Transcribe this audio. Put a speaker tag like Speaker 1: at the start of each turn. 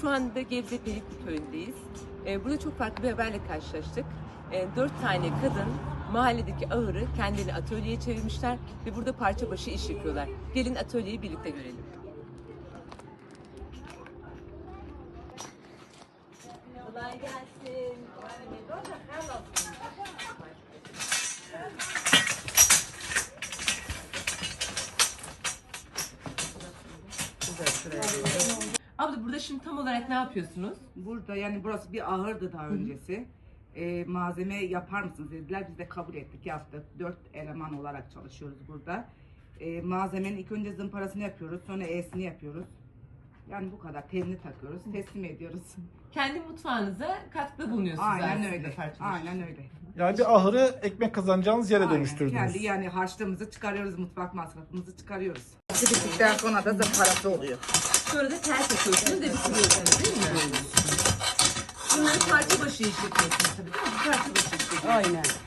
Speaker 1: Şu anda Gebze Pelikli Köyü'ndeyiz. Burada çok farklı bir haberle karşılaştık. 4 tane kadın mahalledeki ahırı kendilerini atölyeye çevirmişler ve burada parça başı iş yapıyorlar. Gelin atölyeyi birlikte görelim. Kolay gelsin. Abla burada şimdi tam olarak ne yapıyorsunuz?
Speaker 2: Burada yani burası bir ahırdı daha öncesi. Malzeme yapar mısınız dediler. Biz de kabul ettik, yaptık. 4 eleman olarak çalışıyoruz burada. Malzemenin ilk önce zımparasını yapıyoruz. Sonra E'sini yapıyoruz. Yani bu kadar. Telini takıyoruz. Teslim ediyoruz.
Speaker 1: Kendi mutfağınıza katkıda bulunuyorsunuz.
Speaker 2: Aynen
Speaker 1: aslında
Speaker 2: öyle.
Speaker 1: parça başı.
Speaker 2: Aynen öyle.
Speaker 3: Yani bir ahırı ekmek kazanacağınız yere
Speaker 2: Aynen.
Speaker 3: dönüştürdünüz.
Speaker 2: Kendi yani harçlığımızı çıkarıyoruz, mutfak masrafımızı çıkarıyoruz. Bittikten sonra da zımparası oluyor.
Speaker 1: Sonra da tel takıyorsunuz ve bitiriyorsunuz değil mi? Bunları parça başı iş yapıyorsunuz tabii değil mi? Parça başı iş yapıyorsunuz.
Speaker 2: Aynen.